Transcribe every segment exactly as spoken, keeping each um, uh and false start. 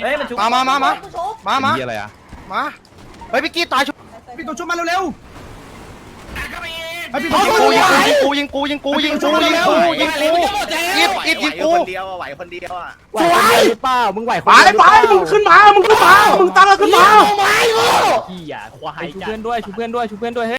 เฮ้ยมันชุบมามามามามามาอะไรอ่ะมาเฮ้ยพี่กี้ตายชุบพี่ตัวชุบมาเร็วๆไอ้พี่ตัวยิงกูยิงกูยิงกูยิงกูยิงกูยิงกูยิงกูยิบยิบยิงกูคนเดียวอ่ะไหวคนเดียวอ่ะสวยเปล่ามึงไหวไปไปมึงขึ้นมามึงขึ้นมามึงตั้งขึ้นมาพี่อย่าควายชูเพื่อนด้วยชูเพื่อนด้วยชูเพื่อนด้วยเฮ้ย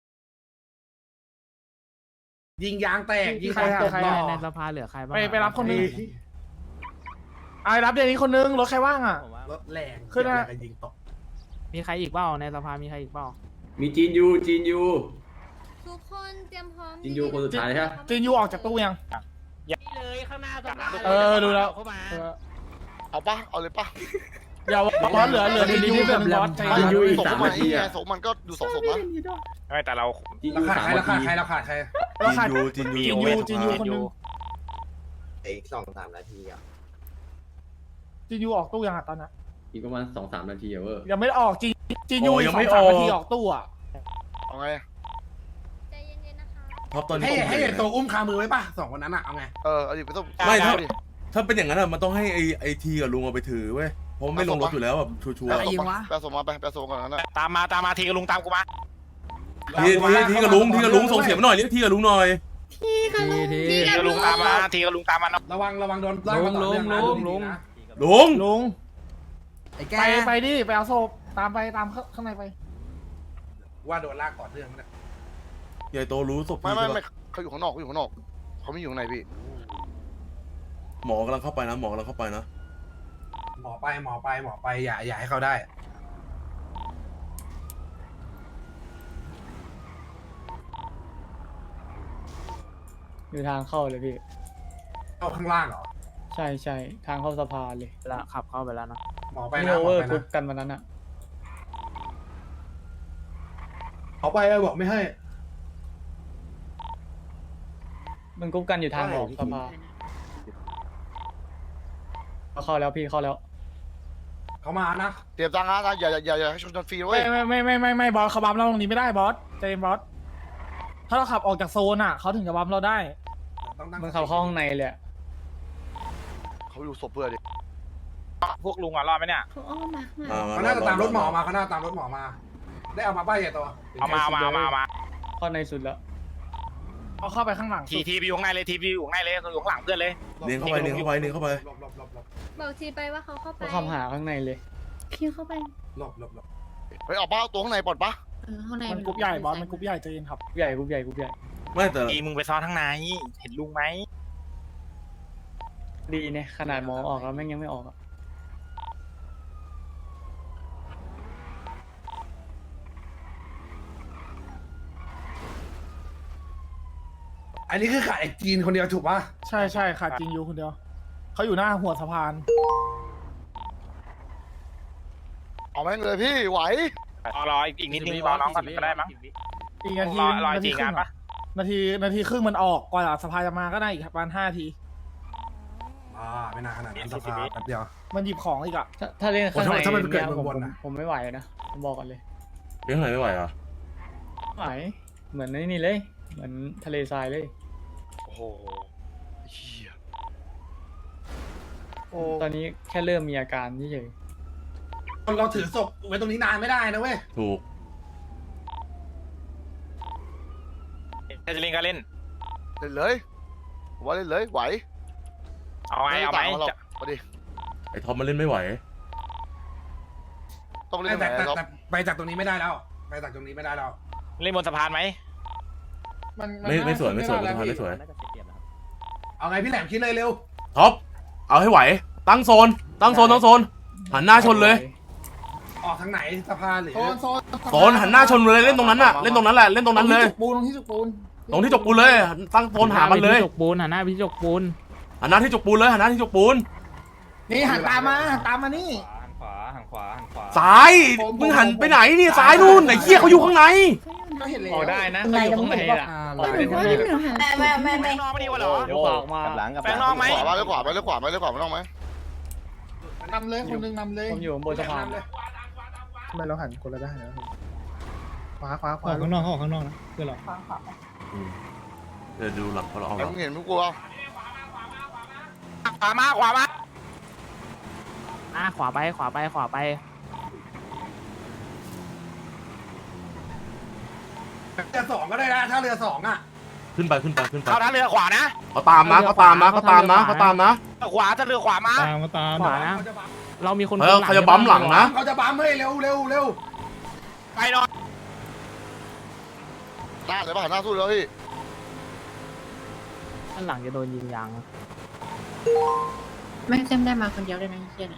ยิงยางแตกยิงใครตกใครหล่อในสภาเหลือใครบ้างไปไปรับคนนึงไอ้รับเดี๋ยวนี้คนนึงรถใครว่างอ่ะรถแรงขึ้นนะยิงตกมีใครอีกเปล่าในสภามีใครอีกเปล่ามีจีนยูจีนยูทุกคนเตรียมพร้อมจีนยูคนสุดท้ายใช่ไหมจีนยูออกจากตู้ยังเลยข้างหน้าสภาเออดูแล้วเอาปะเอาเลยปะอย่าบอสเหลือเหลือจีนยูแบบบอสใจจีนยูอีกส่งสามมานาที่ทีไงอ่ะส่งมันก็ดูสองศพนะไม่แต่เราจีนรายูคาสามใครนาราคาทีใครราคาใครเราขาดจินจีนยูยูจีนยูคนนึงอีกสองสามนาทีอ่ะจีนยูออกตู้ยังอ่ะตอนนั้นอีกประมาณสองสามนาทีอ่ะเว้ยยังไม่ได้ออกจีนจีนยูยังไม่ออกนาทีออกตู้อ่ะเอาไงใจเย็นๆนะคะท็อปตอนนี้ให้ให้ตัวอุ้มคามือไว้ป่ะสองคนนั้นอ่ะเอาไงเออเอาดิไปต้องไม่ถ้าถ้าเป็นอย่างนั้นอะมันต้องให้ไอไอทีกับลุงเอาไปถือเว้ยเพราะไม่ลงรถอยู่แล้วแบบชัวร์แปะส่งมาแปะส่งมาไปแปะส่งก่อนนั้นตามมาตามมาทีกับลุงตามกูมาทีทีทีกับลุงทีกับลุงส่งเสียงมาหน่อยเรียกทีกับลุงหน่อยทีค่ะลุงทีกับลุงตามมาทีกับลุงตามมาระวังระวังโดนลุงลุงลุงลุงลุงลุงไอ้แกไปไปดิไปเอาศพตามไปตามข้างในไปว่าโดนลากก่อนเรื่องนะใหญ่โตรู้ศพไม่พี่ไม่ใช่ไม่ปะเขาอยู่ข้างนอกเขาอยู่ข้างนอกเขาไม่อยู่ข้างในพี่หมอกำลังเข้าไปนะหมอกำลังเข้าไปนะหมอไปหมอไปหมอไปอย่าอย่าให้เขาได้อยู่ทางเข้าเลยพี่เข้าข้างล่างเหรอใช่ใช่ทางเข้าสภาเลยแล้วขับเข้าไปแล้วนะหมอไปไม่นะโอหมเวออร์ไปคุนะกกันวันนั้นอะเขาไปบอกไม่ให้มันคุกกันอยู่ทางออกสภาเข้าแล้วพี่เข้าแล้วเขามานะเตรียมตังค์นะอย่าอย่าอย่าอย่าให้ชนฟรีเว้ไม่ยไม่ไม่ไม่ไม่ไม่บอสเขาบัมเราตรงนี้ไม่ได้บอสใจเย็นบอสถ้าเราขับออกจากโซนอ่ะเขาถึงจะบัมเราได้ต้องตั้งมันเข้าห้องในเลยอะเขาอยู่ศพเพื่อดิพวกลุงอ่ะรอดไหมเนี่ยเขาอ้อมมาข้างหมาลังมาเขาน่าจะตามรถหมอมาเขาน่าจะตามรถหมอมา ได้เอามาป้ายใหญ่ตัวเอามาเอามาเอามาเอามาเข้าในสุดแล้วเอาเข้าไปข้างหลังทีทีไปอยู่ข้างในเลยทีไปอยู่ข้างในเลยอยู่ข้างหลังเพื่อนเลยเนียงเข้าไปเนียงเข้าไปเนียงเข้าไปหลบหลบหลบหลบบอกทีไปว่าเขาเข้าไปเขาคำหาข้างในเลยคิวเข้าไปหลบหลบหลบเฮ้ยเอาป้าตัวข้างในปลอดปะเออข้างในมันกรุ๊ปใหญ่บอสมันกรุ๊ปใหญ่ใจเย็นครับกรุ๊ปใหญ่กรุ๊ปใหญ่กรุ๊ปใหญ่ไม่แต่ทีมึงไปซ้อนข้างในเห็นลุงไหมดีเนี่ยขนาดหมอออกแล้วแม่งยังไม่ออกอะอันนี้คือขายจีนคนเดียวถูกป่ะใช่ใช่ขาดจริงอยู่คนเดียวเขาอยู่หน้าหัวสะพานเอาแม่งเลยพี่ไหวรอรออีกนิดนึงรอน้องก่อนก็ได้มั้งอีกนาทีนาทีครึ่งนาทีนาทีครึ่งมันออกกว่าสะพานจะมาก็ได้อีกประมาณห้าทีอ่าไม่นานขนาดนั้นสภาแป๊บเดียวมันหยิบของอีกอ่ะถ้าถ้าเล่นข้างในถ้ามันเกิดเนี่ยผมบนๆนะผมไม่ไหวนะผมบอกกันเลยเลี้ยงไหนไม่ไหวอ่ะไหวเหมือนนี่เลย เหมือนทะเลทรายเลยโอ้โหเฮียโอ้ตอนนี้แค่เริ่มมีอาการเฉยเราถือศพไว้ตรงนี้นานไม่ได้นะเว้ยถูกถ้าจะเล่นก็เล่นเล่นเลยผมว่าเล่นเลยไหวเอาไงเอาไหมมาดิไอท็อปมันเล่นไม่ไหวต้องเล่นแต่ไหนแต่เราแต่ไปจากตรงนี้ไม่ได้แล้ว ไปจากตรงนี้ไม่ได้แล้วเล่นบนสะพานไหมไม่ไม่สวยไม่สวยไม่สวยไม่สวยเอาไงพี่แหลมคิดเลยเร็วท็อปเอาให้ไหว ตั้งโซน ตั้งโซนตั้งโซนหันหน้าชนเลยออกทางไหนสภาหรือโซนโซนโซนหันหน้าชนเลยเล่นตรงนั้นน่ะเล่นตรงนั้นแหละเล่นตรงนั้นเลยปูนตรงที่จุกปูนตรงที่จกปูนเลย ตั้งโซนหามันเลยจกปูนหันหน้าไปที่จกปูนหันหน้าที่จกปูนเลยหันหน้าที่จกปูนนี่หันตามมาหันตามมานี่หันขวาหันขวาหันขวาซ้ายมึงหันไปไหนนี่ซ้ายนู่นไหนเหี้ยเขาอยู่ข้างในก็เห็นเลยๆออกได้นะเขาอยู่ข้างในอะออกหได้นูข้างว่าในหนูหันไม่ไม่ไม่ไม่นอกไม่ดีกว่าเหรอเดี๋ยวขวาออกมากับหลังกับแปลงนอกไหมขวาไปเลยขวาไปเลยขวาไปเลยขวาไม่ต้องไหมนำเลยคนนึงนำเลยผมอยู่บนสะพานทำไมเราหันคนละด้านนะขวาขวาขอวาอกข้างนอกออกข้างนอกนะเพื่อนเราขวาขวาอืมเดี๋ยวดูหลังเขาเราเอาหแต่ลังมึงเห็นมึงกลัวขวามาขวามาอ่ะขวาไปขวาไปขวาไปเรือสองก็ได้นะถ้าเรือสองอ่ะขึ้นไปขึ้นไปขึ้นไปเข้าท่าเรือขวานะเขาตามนะเขาตามนะเขาตามนะเขาตามนะขวาจะเรือขวามาตามมาตามขวานะ เรามีคนเออเขาจะบั๊มหลังนะเขาจะบัมให้เร็วเร็วเร็วไปหน่อยหน้าเลยป่ะหน้าสู้แล้วพี่ด้านหลังจะโดนยิงยางแม่งเต็มได้มาคนเดียวเลยนะเฮียเนี่ย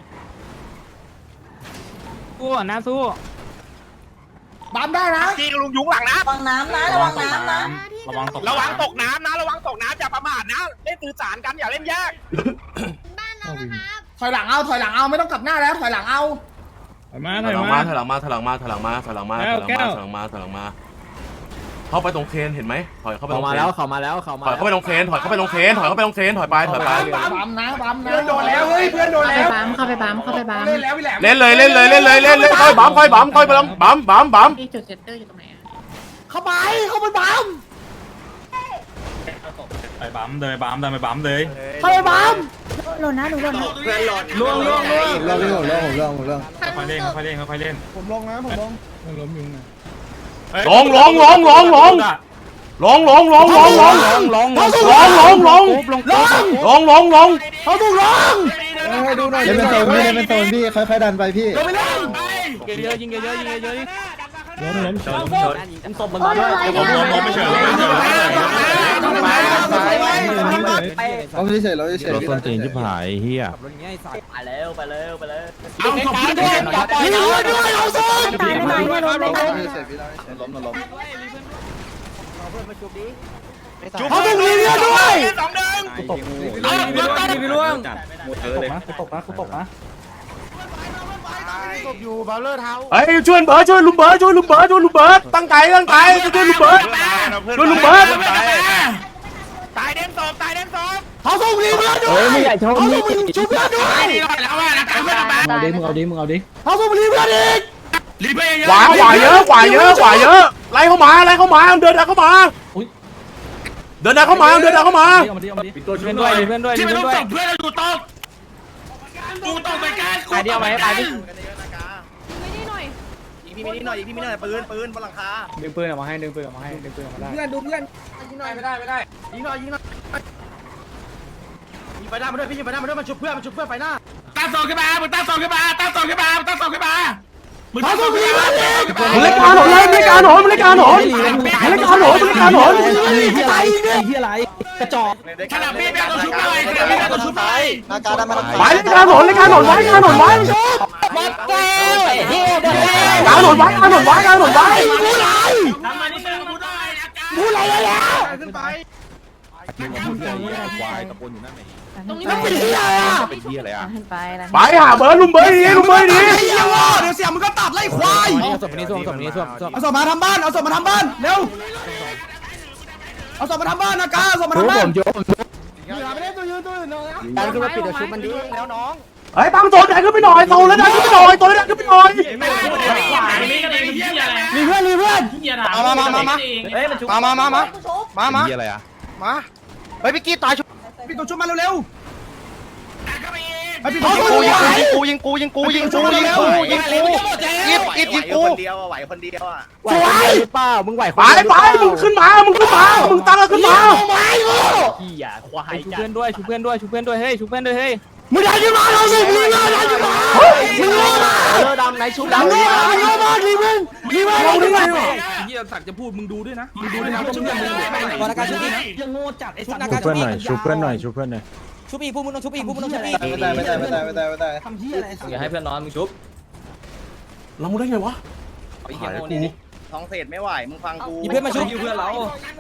สู้อ่ะนะสู้บัมได้นะจีกับลุงยุงหลังนะระวังน้ำนะระวังน้ำนะระวังตกระวังตกน้ำนะระวังตกน้ำอย่าประมาทนะเล่นสื่อสารกันอย่าเล่นแยกบ้านเรานะครับถอยหลังเอาถอยหลังเอาไม่ต้องกลับหน้าแล้วถอยหลังเอามาถอยหลังมาถอยหลังมาถอยหลังมาถอยหลังมาถอยหลังมาถอยหลังมาถอยหลังมาถอยหลังมาเข้าไปตรงเคนเห็นไหมถอยเข้าไปตรงเขามาเคนแล้วเขามาแล้วเขามาถอยเข้าไปตรงเคนถอยเข้าไปตรงเคนถอยเข้าไปตรงเคนถอยไปถอยไปบัมนะบัมนะเพื่อนโดนแล้วเฮ้ยเพื่อนโดนเข้าไปแล้วบัมเข้าไปบัมเข้าไปบัมเล่นแล้วพี่แหลมเล่นเลยเล่นเลยเล่นเลยเล่นเลยค่อยบั๊มค่อยบั๊มค่อยบั๊มบั๊มบั๊มบั๊มที่จุดเซนเตอร์อยู่ตรงไหนอะเข้าไปเข้าไปบัมไปบัมเดินไปบัมเดินไปบัมเลยเข้าไปบัมหล่นนะหนูหล่นนะล่วงล่วงล่วงเรื่องผมเรื่องผมเรื่องผมเรื่องค่อยเล่นค่อยเล่นค่อยเล่นผมลงนะผมลงล้มยุงนะลงลงลงลงลงลงลงลงลงลงลงลงลงลงลงลงลงลงลงเขาถูกลงให้ดูหน่อยเล่นเป็นโซนพี่เล่นเป็นโซนพี่ค่อยๆดันไปพี่ลงไปเล่นเยอะๆยิงเยอะๆยิงเยอะๆล้มล้มชนยิงศพมันมาด้วยผมล้มล้มไม่เฉยล้มไม่เฉยเราเฉยเราเฉยรถส้นตีนที่ผายเฮียไปแล้วไปแล้วไปแล้วเอาศพพี่ด้วยพี่ด้วยด้วยเอาศพตายไม่ตายไม่ล้มไม่ตายเฉยพี่เราเฉยล้มล้มเขาถูกลีเลียด้วยสองหนึ่งตกเอาเรือกันพี่ล่วงตกนะตกนะตกนะศพอยู่บาเลอร์เท้าเฮ้ยช่วยเบิร์ดช่วยลุงเบิร์ดช่วยลุงเบิร์ดช่วยลุงเบิร์ดตั้งใจตั้งใจช่วยลุงเบิร์ดช่วยลุงเบิร์ดตายเด่นสองตายเด่นสองเขาถูกลีเลียด้วเฮ้ยยมึงใหญ่ชนเขามึถูงกชุบเพื่อนด้วยนี่รอดแล้วว่านะการเพื่อนมาเอาดิมึงเอาดิมึงเอาดิเขาถูกลีเลียอีกรีเพย์เยอะขวาขวาเยอะขวาเยอะขวาเยอะไล่เข้ามาไล่เข้ามาเดินเข้ามาเดินเข้ามาเดินเข้ามาเอามาดิเอามาดิเพื่อนด้วยเพื่อนด้วยที่ไม่เพื่อนต้องด้วยส่งเพื่อนเราอยู่ตรงกูต้องไปการไปเดียวไหมไปดิพี่ไม่นิดหน่อยพี่ไม่นิดหน่อยปืนปืนบนหลังคาดึงปืนออกมาให้ดึงปืนออกมาให้ดึงปืนออกมาได้เพื่อนดูเพื่อนยิงหน่อยไม่ได้ไม่ได้ยิงหน่อยยิงหน่อยยิงไปหน้ามาด้วยพี่ยิงไปหน้ามาด้วยมันชุบเพื่อนมันชุบเพื่อนไปหน้าตั้งสองขึ้นมามึงตั้งสองขึ้นมาตั้งสองขึ้นมาตั้งสองขึ้นมามึงตั้งสองขึ้นมามันเล่นการหนอนเลยมันเล่นการหนอนมันเล่นการหนอนมันเล่นการหนอนมันเล่นการหนอนที่อะไรที่อะไรกระจอกขนาดพี่แม่ต้องชุบหน่อยขนาดพี่แม่ต้องชุบหน่อยนาการได้มาไปเล่นการหนอนเล่นการหนอนไว้การหนอนไว้หมดแก้วเฮียหมดแก้วการหนอนไว้การหนอนไว้การหนอนไว้พูดอะไรทำมานิดนึงกูได้อาการพูดอะไรแล้วขึ้นไปควายตะโกนอยู่นั่นไหนตรงนี้มันเป็นเฮียอ่ะเป็นเฮียอะไรอ่ะขึ้นไปแล้วไปหาเบิร์ดลุงเบิร์ดดีลุงเบิร์ดดีไอ้เฮียวะเดี๋ยวเสียมึงก็ตัดไล่ควายเอาศพนี้ส้วมศพนี้ส้วมส้วมเอาศพมาทำบ้านเอาศพมาทำบ้านเร็วเอาศพมาทำบ้านนะกาเอาศพมาทำบ้านโยมอย่าไปเล่นตัวยืนตัวอื่นนะดันขึ้นมาปิดเดี๋ยวชุบมันดีแล้วน้องเฮ้ยตั้งโซนใหญ่ขึ้นไปหน่อยโซนแล้วดันขึ้นไปหน่อยโซนแล้วดันขึ้นไปหน่อยมีเพื่อนมีเพื่อนมามามามาเฮ้ยมันชุบมามามามามามาเฮียอะไรอ่ะมาเฮ้ยพี่กี้ตายชุบพี่ตัวชุบมาเร็วไอ้พี่กูยิงกูยิงกูยิงกูยิงกูยิงกูยิงกูยิงกูยิบยิบยิงกูคนเดียวไหวคนเดียวอ่ะไหวเปล่ามึงไหวไปไปมึงขึ้นมามึงขึ้นมามึงตั้งขึ้นมาขี้อ่ะควายชูเพื่อนด้วยชูเพื่อนด้วยชูเพื่อนด้วยเฮ้ยชูเพื่อนด้วยเฮ้ยมึงได้ขึ้นมาเราสิมึงได้ขึ้นมามึงโง่มาเออดำไหนชุบมึงดำโง่มามึงโง่มารีมึงรีมึงเราด้วยเฮียสักจะพูดมึงดูด้วยนะมึงดูด้วยนะชุบวรรณการชุบอีกยังโง่จัดไอ้สัตว์ชุบเพื่อนหน่อยชุบเพื่อนหน่อยชุบเพื่อนหน่อยชุบอีกพวกมึงต้องชุบอีกพวกมึงต้องชุบอีกไม่ได้ไม่ได้ไม่ได้ไม่ได้ไม่ได้ทำเหี้ยอะไรอย่าให้เพื่อนนอนมึงชุบเรามึงได้ไงวะไอ้เหี้ยโง่นี่ท้องเศษไม่ไหวมึงฟังกูมีเพื่อนมาชุบเพื่อนเรา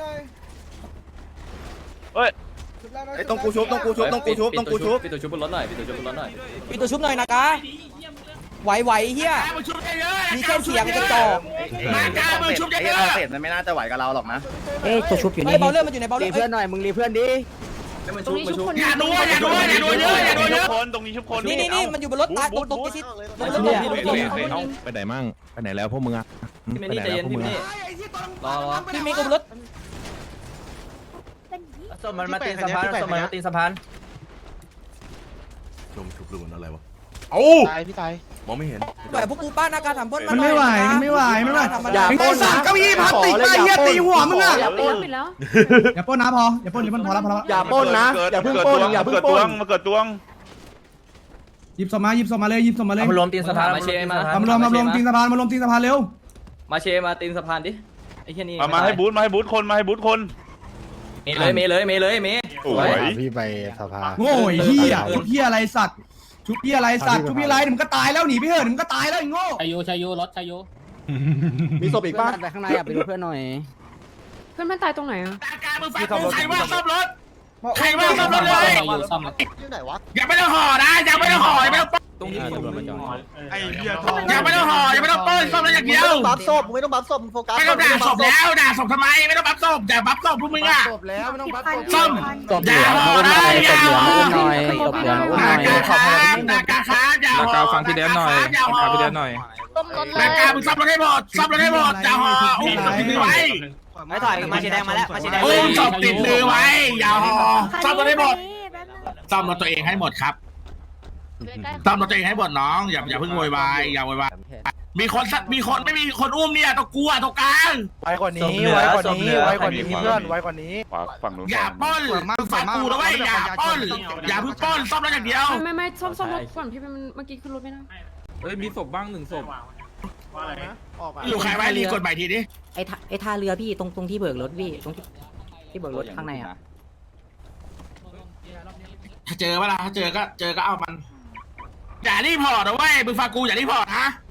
ไอ้ต้องกูชุบต้องกูชุบต้องกูชุบต้องกูชุบปิดตัวชุบบนรถหน่อยปิดตัวชุบบนรถหน่อยปิดตัวชุบหน่อยนะกาไหวไหวเฮียมีแค่เสียงกระจอกมากล้ามึงชุบไอ้ท้องเศษมันไม่น่าจะไหวกับเราหรอกนะเอ้ยตัวชุบอยู่นี่เบาเรื่องมันอยู่ในเบาเรื่องเพื่อนหน่อยมึงรีเพื่อนดิมันชุบมันชุบอย่าดูอย่าดูอย่าดูเยอะอย่าดูเยอะคนตรงนี้ชุบคนนี่นี่นี่มันอยู่บนรถตายตรงตรงกิซิตบนรถเฮ้เนี่ยยไปไหนมั่งไปไหนแล้วพวกมึงอ่ะพี่ไปไม่ไหนนี่ใจแล้เย็วน พวกพี่มึงนี่อ่ะรอรอพี่มีกับบนรถสมันมาตีสะพานสมันมาตีสะพานชมชุบหรือมันอะไรวะเอาตายพี่ตายมองไม่เห็นปล่อยพวกกูป้านาการทำพ้นมันไม่ไหวมันไม่ไหวไม่ไหวอย่าไอ้สัตว์เก้าอี้พลาสติกไอ้เหี้ยตีหัวมึงอ่ะปิดแล้วปิดแล้วอย่าปล้นนะพออย่าปล้นอย่าปล้นพอแล้วพอแล้วอย่าปล้นนะอย่าเพิ่งปล้นอย่าเพิ่งปล้นมาเกิดตวงหยิบศพมาหยิบศพมาเลยหยิบศพมาเลยมารวมตีนสะพานมาเชมามารวมมารวมตีนสะพานมารวมตีนสะพานเร็วมาเชมาตีนสะพานดิไอ้แค่นี้มามาให้บูธมาให้บูธคนมาให้บูธคนเมเลยเมเลยเมเลยเมสวยพี่ไปสภาโง่ไอ้เหี้ยชุบเหี้ยอะไรสัตว์ชุบเหี้ยอะไรสัตว์ชุบเหี้ยอะไรมึงก็ตายแล้วหนีไปเถอะมึงก็ตายแล้วไอ้โง่ชายโยชายโยรถชายโยมีศพอีกป้าไปข้างในอ่ะไปดูเพื่อนหน่อยเพื่อนมันตายตรงไหนอ่ะการมึงฟังกูใครว่าซ่อมรถใครว่าซ่อมรถเลยซ่อมรถที่ไหนวะอย่าไม่ต้องห่อนะอย่าไม่ต้องห่ออย่าไม่ต้องป้นตรงนี้ไอ้เหี้ยทองอย่าไม่ต้องห่ออย่าไม่ต้องป้นซ่อมรถอย่างเดียวบัฟศพไม่ต้องบัฟศพโฟกัสไม่ต้องด่าศพแล้วด่าศพทำไมไม่ต้องบัฟศพอย่าบัฟศพพวกมึงอ่ะศพแล้วไม่ต้องบัฟศพซ่อมศพเหลือมาอุ้มหน่อยศพเหลือมาอุ้มหน่อยศพเหลือมาอุ้มหน่อยนาการค้านาการค้าอย่าห่อนาการฟังพี่แดนหน่อยฟังพี่แดนหน่อยนาการมึงซ่อมรถให้หมดซ่อมรถให้หมดอย่าห่ออุ้มศพติดมือไว้ไม่ถอยมาสีแดงมาแล้วมาสีแดงอุ้มศพติดมือไว้อย่าห่อซ่อมรถให้หมดซ่อมรถตัวเองให้หมดครับซ่อมรถตัวเองให้หมดน้องอย่าอย่าเพิ่งโวยวายอย่าโวยวายมีคนมีคนไม่มีคนอุ้มเนี่ยต้องกลัวตรงกลางไว้กว่านี้ไว้กว่านี้ไว้กว่านี้เพื่อนไว้กว่านี้ฝั่งนู้นอย่าป้นฟังกูนะเว้ยอย่าป้นอย่าเพิ่งป้นซ่อมรถอย่างเดียวไม่ไม่ซ่อมซ่อมรถก่อนพี่เป็นเมื่อกี้ขึ้นรถไม่ได้เฮ้ยมีศพบ้างหนึ่งศพอยู่ใครไว้รีกดใหม่ทีนี้ไอ้ท่าไอ้ท่าเรือพี่ตรงตรงที่เบิกรถพี่ตรงที่ที่เบิกรถข้างในอ่ะถ้าเจอเวลาถ้าเจอก็เจอก็เอามันอย่ารีพอร์ตนะเว้ยมึงฟังกูอย่ารีพอร์ตนะ